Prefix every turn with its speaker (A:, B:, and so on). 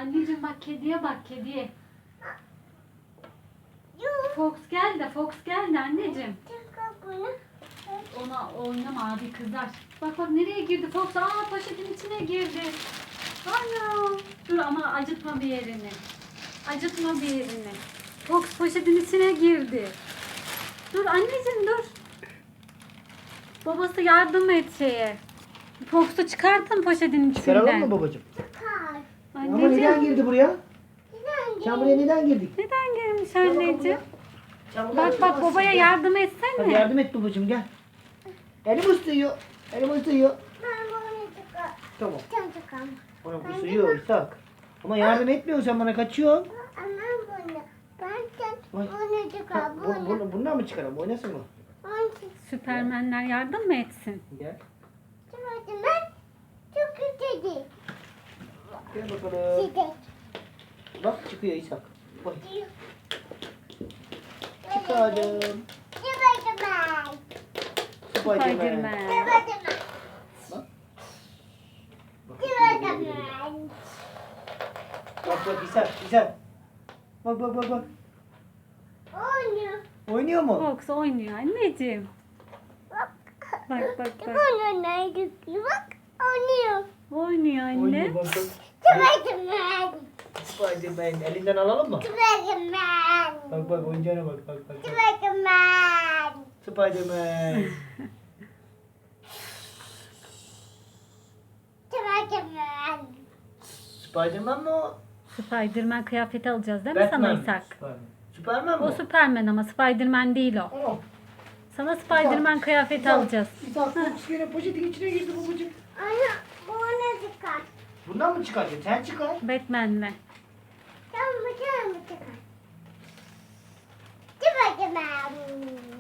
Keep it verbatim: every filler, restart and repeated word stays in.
A: Anneciğim bak kediye bak kediye. Fox geldi, Fox geldi anneciğim. Ona oynama abi kızar. Bak bak nereye girdi Fox? Aa poşetin içine girdi. Ana. Dur ama acıtma bir yerini. Acıtma bir yerini. Fox poşetin içine girdi. Dur anneciğim dur. Babası yardım et şeye. Fox'u çıkartın poşetin
B: Çıkaralım
A: içinden.
B: mı babacığım? Ama neden
A: Anneciğim.
B: girdi buraya? Sen buraya neden girdik?
A: Neden girmiş
B: Gel bakalım
A: anneciğim?
B: buraya. Sen buradan
A: Bak bak
B: çıkamazsın,
A: babaya
B: gel.
A: yardım
B: Hadi
A: etsene.
B: yardım et babacığım gel. Elim ısırıyor. Elim ısırıyor. Tamam. Bana ısırıyor İshak. Ama yardım etmiyorsun sen bana kaçıyorsun. Vay. Ha, bu, bunu, bundan mı çıkaralım? Oynasın mı?
A: Süpermenler yardım mı etsin?
B: Gel. Gel bakalım. Bak çıkıyor İshak. Oy. Çıkardım. Spiderman.
A: Spiderman.
B: Bak. Bak bak İshak, İshak. Bak bak bak bak. Oynuyor mu?
A: Fox oynuyor anneciğim. Bak bak bak. Oynuyor anne.
B: Oynuyor bak bak. Spiderman. Elinden alalım mı? Bak bak oyuncağına bak bak bak. bak. Spiderman. Spiderman mı o?
A: Spiderman kıyafeti alacağız değil mi sana
B: Batman.
A: İshak?
B: Superman. Superman mı?
A: O Superman ama Spiderman değil o.
B: Tamam.
A: Sana Spiderman kıyafeti alacağız.
B: İshak Fox yine poşetin içine girdi babacığım. Bundan mı çıkaracaksın? Sen çıkar.
A: Batman'le.
C: Tamam, tamam, tamam.